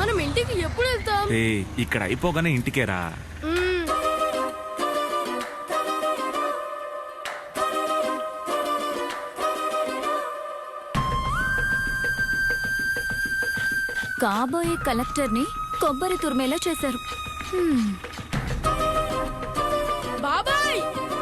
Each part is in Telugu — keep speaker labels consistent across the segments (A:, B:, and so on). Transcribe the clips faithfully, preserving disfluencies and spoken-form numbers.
A: మనం ఇంటికి ఎప్పుడు వెళ్తాం?
B: ఇక్కడ అయిపోగానే ఇంటికేరా.
C: కాబోయే కలెక్టర్ ని కొబ్బరి తురిమేలా చేశారు.
A: బాబాయ్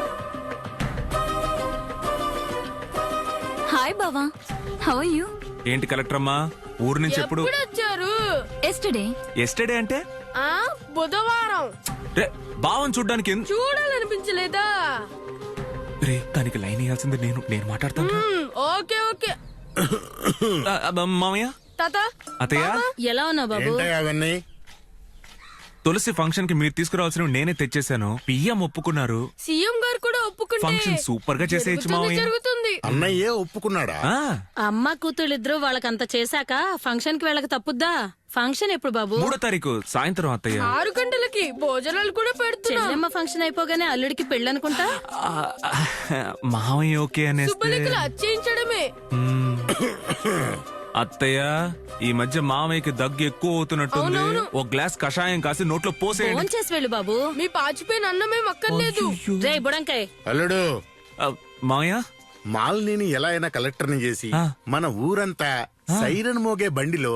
C: హాయ్ బావా, హౌ ఆర్ యు?
B: ఏంటి కలెక్టర్ అమ్మా, ఊరు నుంచి ఎప్పుడు
A: వచ్చారు?
C: ఎస్టర్డే.
B: ఎస్టర్డే అంటే
A: ఆ బుధవారం.
B: రే బావని చూడ్డానికి ఎందు-
A: చూడాలనిపించలేదా?
B: రే దానికి లైన్ వేయాల్సింది నేను నేను మాట్లాడతాను.
A: Okay okay.
B: ఆ, అబ్బ, మామయ్య
A: తాత
B: అత్తయ్య
A: ఎలా ఉన్నావు బాబు?
D: అవన్నీ
B: తులసి ఫంక్షన్ కి మీరు తీసుకురావాల్సినవి నేనే తెచ్చేసాను. పిఎం ఒప్పుకున్నారు.
A: సీఎం గారు కూడా ఒప్పుకుంటే
B: ఫంక్షన్ సూపర్ గా చేసేయచ్చు మామయ్య.
A: జరుగుతుంది.
D: అన్నయ్యే ఒప్పుకున్నాడా?
B: ఆ,
E: అమ్మ కూతుళ్ళిద్దరూ వాళ్ళకంత చేశాక ఫంక్షన్ కి వెళ్ళక తప్పుద్దా? ఫంక్షన్ ఎప్పుడు బాబు?
B: మూడో తారీఖు సాయంత్రం అత్తయ్య.
A: ఆరు గంటలకి భోజనాలు కూడా పెడుతున్నా.
E: చెల్లెమ్మ ఫంక్షన్ అయిపోగానే అల్లుడికి పెళ్ళనుకుంటా.
B: ఆ, మామయ్య ఓకే అనేస్తే
A: శుభలేఖలు అచ్చేయించడమే.
B: మ్మ్. అత్తయ్య ఈ మధ్య మామయ్యకి దగ్గు ఎక్కువ అవుతున్నట్టుంది.
A: అవునవును.
B: ఒక గ్లాస్ కషాయం కాసి నోట్లో పోసేయండి.
E: ఫోన్ చేసి వెళ్ళు బాబు.
A: మీ పాచిపోయిన అన్నమే మక్కర్లేదు.
E: రే బుడంకాయ్,
D: అల్లుడు,
B: ఆ, మామయ్య
D: మాలిని ఎలా అయినా కలెక్టర్ ని చేసి
B: ఆ.
D: మన ఊరంతా సైరన్ మోగే బండిలో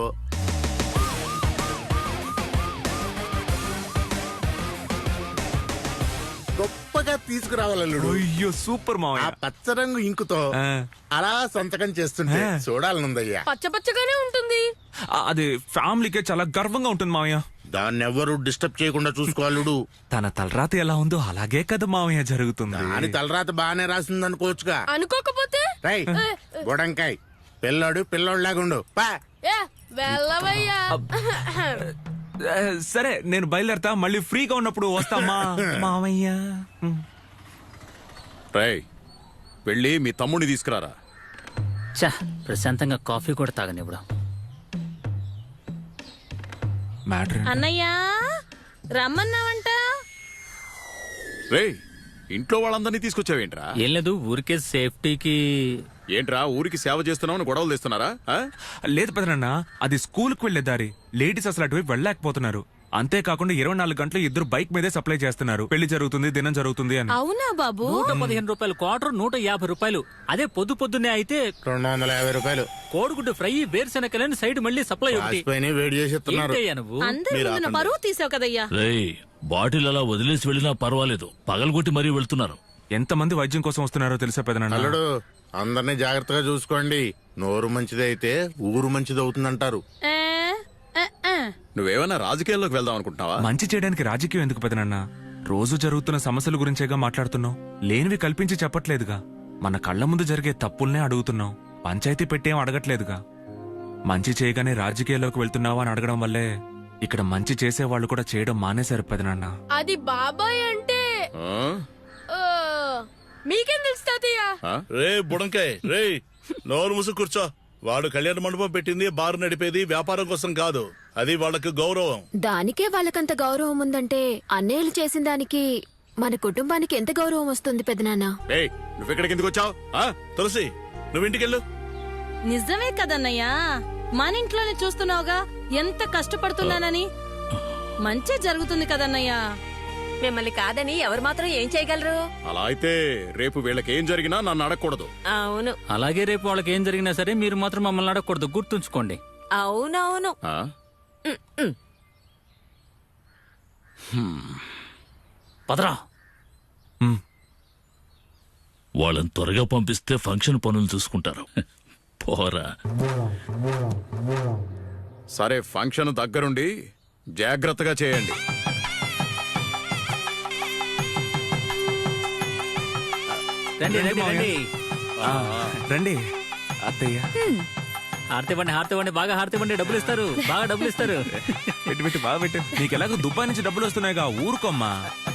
D: గొప్పగా తీసుకురావాలల్లుడు.
B: అయ్యో సూపర్
D: ఆ
B: మామయ్య.
D: పచ్చరంగు ఇంకుతో
B: ఆ,
D: అలా సంతకం చేస్తుంటే
B: ఆ.
D: చూడాలనుందయ్యా.
A: పచ్చ పచ్చగానే ఉంటుంది.
B: ఆ, అది ఫ్యామిలీకే చాలా గర్వంగా ఉంటుంది మామయ్య.
D: దాన్నెవ్వరూ డిస్టర్బ్ చేయకుండా చూసుకోవాలుడు.
B: తన తలరాత ఎలా ఉందో అలాగే కదా మామయ్య జరుగుతుంది.
D: దాని తలరాత బాగానే రాసిందనుకోవచ్చుగా.
A: అనుకోకపోతే
D: రై బుడంకాయ్, పిల్లాడు పిల్లోడ్లాగుండు పా.
A: ఏ వెళ్ళవయ్యా.
B: ఆ, సరే నేను బయలుదేరతా. మళ్ళీ ఫ్రీగా ఉన్నప్పుడు వస్తామా మామయ్య.
F: రేయ్ వెళ్ళి మీ తమ్ముడిని తీసుకురారా.
G: చా ప్రశాంతంగా కాఫీ కూడా తాగనివ్వడం.
B: మ్యాటర్
E: అన్నయ్య రమ్మన్నావంట.
F: రేయ్ ఇంట్లో వాళ్ళందరినీ తీసుకొచ్చావేంట్రా?
G: ఏం లేదు, ఊరికే సేఫ్టీకి.
F: ఏంట్రా ఊరికి సేవ చేస్తున్నావు గొడవలు తెస్తున్నారా? ఆ?
B: లేదు పెదనన్న, అది స్కూల్ కు వెళ్లే దారి. లేడీస్ అసలు అటువైపు వెళ్ళలేకపోతున్నారు. అంతేకాకుండా ఇరవై నాలుగు గంటలు ఇద్దరు బైక్ మీదే సప్లై చేస్తున్నారు. పెళ్లి జరుగుతుంది, దినం జరుగుతుంది అని.
E: అవునా బాబు?
G: నూట పదిహేను రూపాయలు క్వార్టర్, నూట యాభై రూపాయలు. అదే పొద్దు పొద్దున్నే అయితే
D: రెండు వందల యాభై రూపాయలు
G: కోడిగుడ్డు ఫ్రై, వేరుశెనకలని సైడ్ మళ్ళీ సప్లై ఒకటి.
D: రాసిపోయిన వేడి చేసి ఇస్తున్నారు.
G: ఏంటయ్యా నువ్వు?
E: అందరి
D: మీరు
E: ముందున
D: ఆపండి.
E: పరువు తీసావు కదయ్యా.
H: రేయ్ బాటిల్ అలా వదిలేసి వెళ్ళినా పర్వాలేదు, పగలగొట్టి మరీ వెళ్తున్నారు.
B: ఎంతమంది వైద్యం కోసం వస్తున్నారో తెలుసా పెదనన్న?
D: అల్లుడు, అందరినీ జాగ్రత్తగా చూసుకోండి. నోరు మంచిదైతే ఊరు మంచిది అవుతుందంటారు.
E: ఏ, ఏ, ఏ.
F: నువ్వేమైనా రాజకీయాల్లోకి వెళ్దాం అనుకుంటున్నావా?
B: మంచి చేయడానికి రాజకీయం ఎందుకు పెదనన్న? రోజు జరుగుతున్న సమస్యల గురించేగా మాట్లాడుతున్నావు. లేనివి కల్పించి చెప్పట్లేదుగా. మన కళ్ల ముందు జరిగే తప్పుల్నే అడుగుతున్నావు. పంచాయతీ పెట్టేం అడగట్లేదుగా. మంచి చేయగానే రాజకీయాల్లోకి వెళ్తున్నావా అని అడగడం వల్లే ఇక్కడ మంచి చేసే వాళ్ళు కూడా చేయడం మానేశారు పెదనన్న.
A: అది బాబాయ్ అంటే
F: ఆ?
A: ఆ, మీకేం తెలుసు తాతయ్య?
F: ఆ?
I: రే బుడంకాయ్, రే నోరు మూసు కూర్చో. వాడు కళ్యాణ మండపం పెట్టింది బారు నడిపేది వ్యాపారం కోసం కాదు. అది వాళ్ళకి గౌరవం.
C: దానికే వాళ్ళకంత గౌరవం ఉందంటే అన్నయ్యలు చేసిన దానికి మన కుటుంబానికి ఎంత గౌరవం వస్తుంది పెదనాన్న?
F: ఏయ్ నువ్వెక్కడికి ఎందుకు వచ్చావు?
I: తులసి, నువ్వు ఇంటికెళ్ళు.
E: నిజమే కదన్నయ్యా, మన ఇంట్లోనే చూస్తున్నావుగా ఎంత కష్టపడుతున్నానని. మంచి జరుగుతుంది కదన్నయ్యా.
J: మిమ్మల్ని కాదని ఎవరు మాత్రం ఏం చేయగలరు?
F: అలా అయితే రేపు వీళ్ళకి ఏం జరిగినా నన్ను అడగకూడదు.
J: అవును
G: అలాగే రేపు వాళ్ళకి ఏం జరిగినా సరే మీరు మాత్రం మమ్మల్ని అడగకూడదు, గుర్తుంచుకోండి.
J: అవునవును.
F: ఆ?
G: పదరా.
B: ఉమ్,
H: వాళ్ళని త్వరగా పంపిస్తే ఫంక్షన్ పనులు చూసుకుంటారు. పోరా.
F: సరే ఫంక్షన్ దగ్గరుండి జాగ్రత్తగా చేయండి.
G: రండి రండి రండి.
B: ఆ, రండి అత్తయ్య.
G: హారతి ఇవ్వండి, హారతి ఇవ్వండి, బాగా హారతి ఇవ్వండి. డబ్బులు ఇస్తారు, బాగా డబ్బులు ఇస్తారు.
B: పెట్టి పెట్టి బాగా పెట్టు. నీకు ఎలాగో దుబాయ్ నుంచి డబ్బులు వస్తున్నాయిగా, ఊరుకోమ్మా.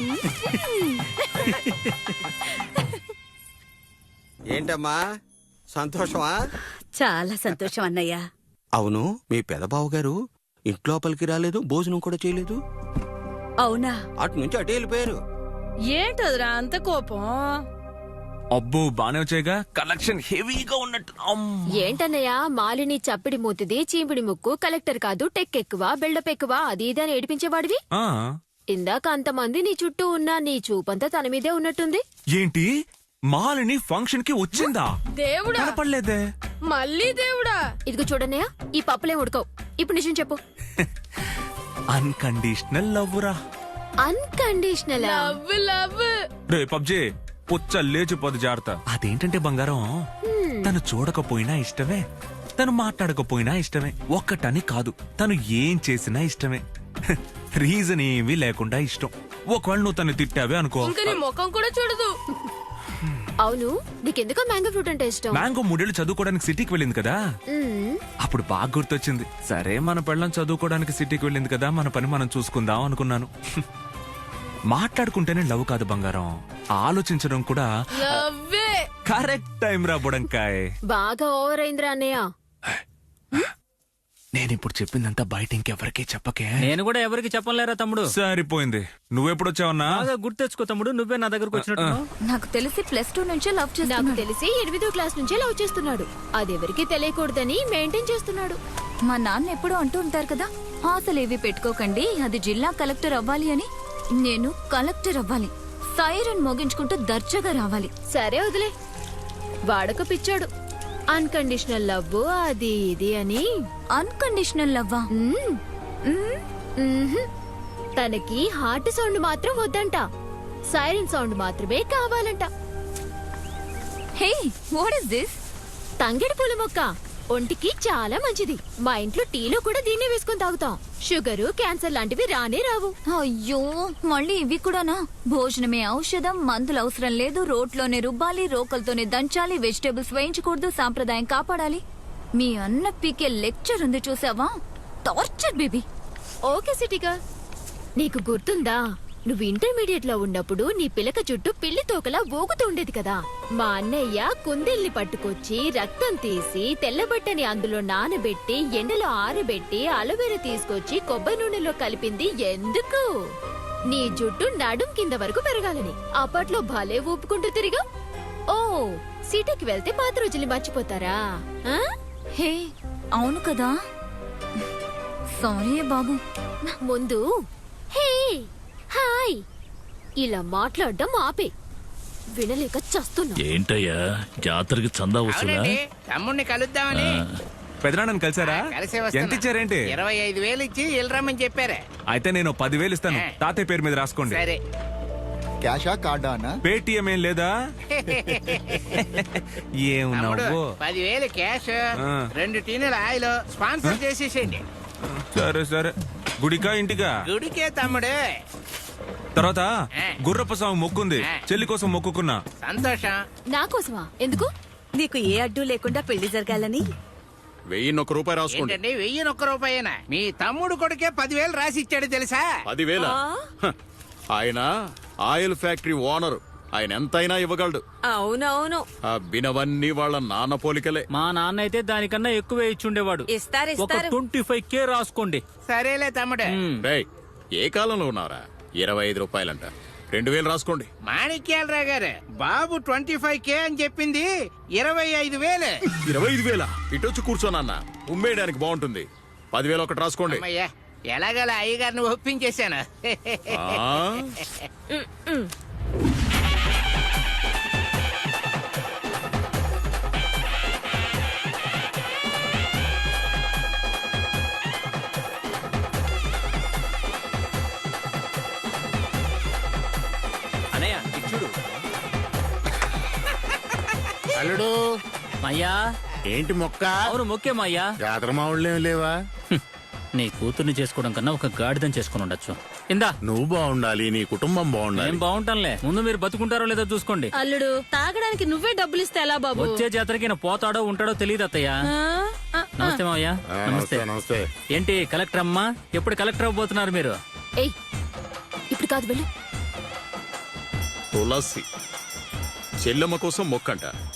K: ఏంటమ్మా సంతోషమా?
J: చాలా సంతోషం అన్నయ్య.
K: అవును, మీ పెదబావు గారు ఇంట్లోపలికి రాలేదు, భోజనం కూడా చేయలేదు.
J: అవునా?
K: అటు నుంచి అటే వెళ్ళిపోయారు.
E: ఏంటదిరా అంత కోపం?
B: అబ్బో బానే వచ్చాయిగా కలెక్షన్ హెవీగా ఉన్నట్టు అమ్.
C: ఏంటన్నయ్య మాలిని చప్పిడి మూతిది చీపిడి ముక్కు కలెక్టర్ కాదు టెక్ ఎక్కువ బిల్డప్ ఎక్కువ అది ఇది అని ఏడిపించేవాడివి
B: ఆ
C: ఇందాక అంతమంది నీ చుట్టూ ఉన్నా నీ చూపంతా తన మీదే ఉన్నట్టుంది.
B: ఏంటి మాలిని ఫంక్షన్ కి వచ్చిందా?
A: దేవుడా
B: కనపడలేదే.
A: మళ్ళీ దేవుడా.
C: ఇదిగో చూడన్నయ్య ఈ పప్పులే ఉడకవు. ఇప్పుడు నిజం చెప్పు.
B: అన్కండిషనల్ లవ్వురా.
C: అన్కండిషనల్
A: లవ్ లవ్
B: రే పబ్జీ పుచ్చ లేచిపోదు జాగ్రత్త. అదేంటంటే బంగారం తను చూడకపోయినా ఇష్టమే, తను మాట్లాడకపోయినా ఇష్టమే. ఒక్కటని కాదు, తను ఏం చేసినా ఇష్టమే. రీజన్ ఏమీ లేకుండా ఇష్టం. ఒకవేళ నువ్వు తను తిట్టావే అనుకో,
A: ఇంకా నీ ముఖం కూడా చూడదు.
C: అవును నీకెందుకో మ్యాంగో ఫ్రూట్ అంటే ఇష్టం?
B: మ్యాంగో మూడేళ్లు చదువుకోవడానికి సిటీకి వెళ్ళింది కదా,
C: మ్మ్.
B: అప్పుడు బాగా గుర్తొచ్చింది. సరే మన పెళ్ళం చదువుకోవడానికి సిటీకి వెళ్ళింది కదా, మన పని మనం చూసుకుందాం అనుకున్నాను. మాట్లాడుకుంటేనే లవ్ కాదు బంగారం, ఆలోచించడం కూడా.
A: లవ్వే.
B: కరెక్ట్ టైం రా బుడంకాయ్.
C: బాగా ఓవర్ అయిందిరా అన్నయ్య.
B: నేను ఇప్పుడు చెప్పిందంతా బయట ఇంకెవరికీ చెప్పకే.
G: నేను కూడా ఎవరికి చెప్పలేరా తమ్ముడు.
B: సరిపోయింది. నువ్వెప్పుడొచ్చావన్నా?
G: బాగా గుర్తు తెచ్చుకో తమ్ముడు, నువ్వే నా దగ్గరకు వచ్చినట్టు.
J: నాకు తెలిసి ప్లస్ టూ నుంచే లవ్
C: నాకు
J: చేస్తున్నాడు.
C: తెలిసి ఎనిమిదో క్లాస్ నుంచే లవ్ చేస్తున్నాడు. అదెవరికి తెలియకూడదని మెయింటైన్ చేస్తున్నాడు.
J: మా నాన్న ఎప్పుడూ అంటూ ఉంటారు కదా, ఆశలు ఏవి పెట్టుకోకండి, అది జిల్లా కలెక్టర్ అవ్వాలి అని. నేను కలెక్టర్ అవ్వాలి, సైరన్ మోగించుకుంటూ దర్జాగా రావాలి.
C: సరే వదిలే. వాడక పిచ్చాడు. అన్కండిషనల్ లవ్ అది ఇది అని.
J: అన్కండిషనల్ లవ్వా?
C: మ్మ్. మ్మ్హ్. తనకి హార్ట్ సౌండ్ మాత్రం వద్దంట, సైరన్ సౌండ్ మాత్రమే కావాలంట.
J: Hey, what is this?
C: తంగెడు పూల మొక్క ఒంటికి చాలా మంచిది. మా ఇంట్లో టీలో కూడా దీన్నే వేసుకొని తాగుతాం. షుగరు క్యాన్సర్ లాంటివి రానే రావు.
J: అయ్యో, మళ్ళీ ఇవి కూడానా? భోజనమే ఔషధం, మందులు అవసరం లేదు, రోట్లోనే రుబ్బాలి, రోకలతోనే దంచాలి, వెజిటేబుల్స్ వేయించకూడదు, సాంప్రదాయం కాపాడాలి. మీ అన్న పీకే లెక్చర్ ఉంది చూసావా? Torture baby.
C: ఓకే సిటీగా, నీకు గుర్తుందా నువ్వు ఇంటర్మీడియట్ లో ఉన్నప్పుడు నీ పిలక చుట్టూ పిల్లి తోకలా ఊగుతూ ఉండేది కదా? మా అన్నయ్య కుందేల్ని పట్టుకొచ్చి రక్తం తీసి తెల్లబట్టని అందులో నానబెట్టి ఎండలో ఆరబెట్టి అలోవెరా తీసుకొచ్చి కొబ్బరి నూనెలో కలిపింది ఎందుకు? నీ జుట్టు నడుం కింద వరకు పెరగాలని. అప్పట్లో భలే ఊపుకుంటూ తిరిగా. ఓ సిటీకి వెళ్తే పాత రోజుల్ని మర్చిపోతారా? ఆ?
J: హే, అవును కదా. సారీ బాబు.
C: ముందు హే హాయ్ ఇలా మాట్లాడడం ఆపే. వినలేక చస్తున్నా.
H: ఏంటయ్యా జాతరకి చందా వస్తుందా?
L: తమ్ముడిని కలుద్దామని.
B: పెదనాన్నని కలిసారా?
L: కలిసే
B: ఎంత
L: వస్తున్నా.
B: ఇచ్చారేంటి?
L: ఇరవై ఐదు వేలు ఇచ్చి వెళ్ళరమ్మని చెప్పారే.
B: అయితే నేను పదివేలు ఇస్తాను, తాతయ్య పేరు మీద రాసుకోండి.
L: సరే.
M: క్యాషా కార్డా అన్న?
B: పేటిఎం ఏం లేదా? ఏం
L: తమ్ముడు,
B: నవ్వు.
L: పదివేలు క్యాష్,
B: ఆ.
L: రెండు టీనుల ఆయిల్ స్పాన్సర్ చేసేసేయండి.
B: సరే సరే. గుడికా ఇంటికా?
L: గుడికే తమ్ముడు.
B: తర్వాత
L: ఆ.
B: గుర్రప్ప స్వామి మొక్కుంది,
L: ఆ.
B: చెల్లి కోసం మొక్కుకున్నా.
L: సంతోషం.
C: నా కోసమా? ఎందుకు?
J: నీకు ఏ అడ్డు లేకుండా పెళ్లి జరగాలని.
F: వెయ్యిన్నొక్క రూపాయి రాసుకోండి.
L: ఏంటండి వెయ్యి ఒక్క రూపాయేనా? మీ తమ్ముడు కొడుకే పదివేలు రాసి ఇచ్చాడు తెలుసా?
F: పదివేల ఆయన ఆయిల్ ఫ్యాక్టరీ ఓనర్, ఆయన ఎంతైనా ఇవ్వగలడు.
J: అవునవును,
F: ఆ బినవన్నీ వాళ్ళ నాన్న పోలికలే.
G: మా నాన్న అయితే దానికన్నా ఎక్కువే ఇచ్చుండేవాడు.
J: ఇస్తారు
G: ఒక ట్వంటీ ఫైవ్ కే రాసుకోండి.
L: సరేలే తమ్ముడు.
G: మ్మ్.
F: రేయ్, ఏ కాలంలో ఉన్నారా? ఇరవై ఐదు రూపాయలంట, రెండు వేలు రాసుకోండి.
L: మాణిక్యాలరావు గారు, బాబు ట్వంటీ ఫైవ్ కే అని చెప్పింది ఇరవై ఐదు వేలు.
F: ఇరవై ఐదు వేల ఇటొచ్చి కూర్చోనన్న, ఉమ్మేయడానికి బాగుంటుంది. పదివేలు ఒకటి రాసుకోండి.
L: అమ్మయ్యా, ఎలాగలా అయ్యగారిని ఒప్పించేశాను.
F: ఆ?
D: అల్లుడు
G: అయ్యా
D: ఏంటి మొక్క?
G: అవును ముఖ్యమయ్యా.
D: జాతర మావుళ్ళేం లేవా?
G: నీ కూతుర్ని చేసుకోవడం కన్నా ఒక గాడిదని చేసుకుని ఉండొచ్చు. ఇందా.
D: నువ్వు బాగుండాలి, నీ కుటుంబం బాగుండాలి.
G: ఏం బాగుంటానులే, ముందు మీరు బతుకుంటారో లేదో చూసుకోండి.
E: అల్లుడు తాగడానికి నువ్వే డబ్బులు ఇస్తే ఎలా బాబు?
G: వచ్చే జాతరకి ఈయన పోతాడో ఉంటాడో తెలియదు అత్తయ్య.
E: ఆ? ఆ, ఆ.
G: నమస్తే మావయ్య.
D: ఆ,
G: నమస్తే.
D: నమస్తే నమస్తే.
G: ఏంటి కలెక్టర్ అమ్మా, ఎప్పుడు కలెక్టర్ అవ్వబోతున్నారు మీరు?
C: ఏయ్ ఇప్పుడు కాదు వెళ్ళు.
F: తులసి చెల్లెమ్మ కోసం మొక్కంట.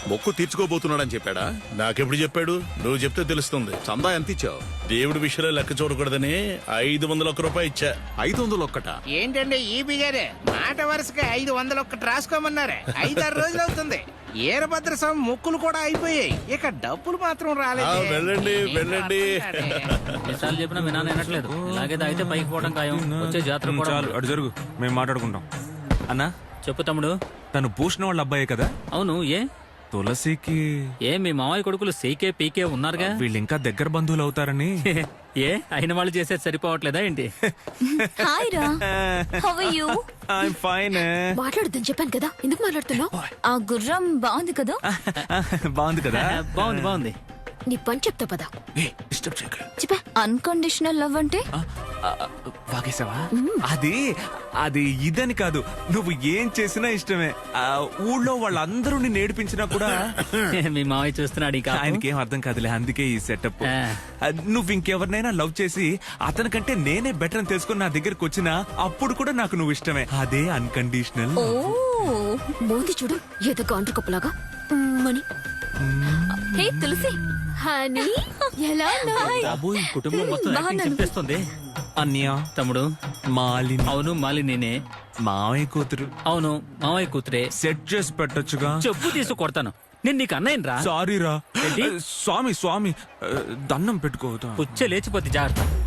F: మొక్కు తీర్చుకోబోతున్నాడని చెప్పాడా?
I: నాకెప్పుడు చెప్పాడు? నువ్వు చెప్తే తెలుస్తుంది.
F: చందా ఎంత ఇచ్చావు?
I: దేవుడి విషయంలో లెక్క చూడకూడదని ఐదు వందల ఒక్క రూపాయి ఇచ్చా.
F: ఐదు వందలు ఒక్కట?
L: ఏంటండి ఈ బిగారే మాట వరుసగా ఐదు వందలు ఒక్కటి రాసుకోమన్నారే. ఐదారు రోజులు అవుతుంది. ఈరభద్ర స్వామి మొక్కులు కూడా అయిపోయాయి. ఇక డబ్బులు మాత్రం
I: ఆ,
L: రాలేదు.
I: వెళ్ళండి వెళ్ళండి.
G: ఎన్నిసార్లు చెప్పినా మీ నాన్న వినట్లేదు. ఇలాగే తాగితే పైకి పోవడం ఖాయం. వచ్చే జాతర
B: ఉమ్,
G: కూడా
B: చాలు అటు జరుగు, మేము మాట్లాడుకుంటాం. అన్నా,
G: చెప్పు తమ్ముడు.
B: తను భూషణ వాళ్ళ అబ్బాయే కదా?
G: అవును, ఏ
B: తులసికి
G: ఏ మీ మామయ్య కొడుకులు సీకే పీకే ఉన్నారుగా.
B: వీళ్ళు ఇంకా దగ్గర బంధువులు అవుతారని.
G: ఏ అయిన వాళ్ళు చేసేది సరిపోవట్లేదా ఏంటి?
J: హాయ్ రా, హౌ ఆర్ యు?
B: ఫైన్.
C: మాట్లాడొద్దని చెప్పాను కదా, ఎందుకు మాట్లాడుతున్నావు?
J: ఆ గుర్రం బాగుంది కదా?
B: బాగుంది కదా?
G: బాగుంది బాగుంది.
C: నీ పని చెప్తా పదా.
B: డిస్టర్బ్ చేయకు.
C: చెప్పా.
J: అన్కండిషనల్ లవ్ అంటే
B: ఆ, ఆ, వాగేసావా? అది అది ఇదని కాదు, నువ్వు ఏం చేసినా ఇష్టమే. ఆ, ఊళ్ళో వాళ్ళందరూ నిన్ను ఏడిపించినా కూడా
G: మీ మామయ్య చూస్తున్నాడు. ఇక
B: ఆయనకి ఏం అర్థం కాదులే, అందుకే ఈ సెటప్.
G: ఆ.
B: నువ్వు ఇంకెవరినైనా లవ్ చేసి అతనికంటే నేనే బెటర్ అని తెలుసుకుని నా దగ్గరకు వచ్చినా అప్పుడు కూడా నాకు నువ్వు ఇష్టమే. అదే అన్కండిషనల్.
J: ఓ
C: మోంది చూడు, ఏదో కాంట్రు కప్పులాగా మని.
J: హే తులసి,
C: హనీ, ఎలా ఉన్నావ్?
G: బాబు ఈ కుటుంబం మొత్తం యాక్టింగ్ చెప్పేస్తుంది.
B: అన్య,
G: తమ్ముడు.
B: మాలిని.
G: అవును, మాలి నేనే.
B: మావయ్య కూతురు.
G: అవును, మామయ్య కూతురే.
B: సెట్ చేసి పెట్టొచ్చుగా.
G: చెప్పు తీసు కొడతాను. నేను నీకు అన్నయ్యను రా.
B: సారీ రా.
G: ఏంటి?
B: స్వామి స్వామి, దండం పెట్టుకోవద్దా?
G: పుచ్చ లేచిపోతే జాగ్రత్త.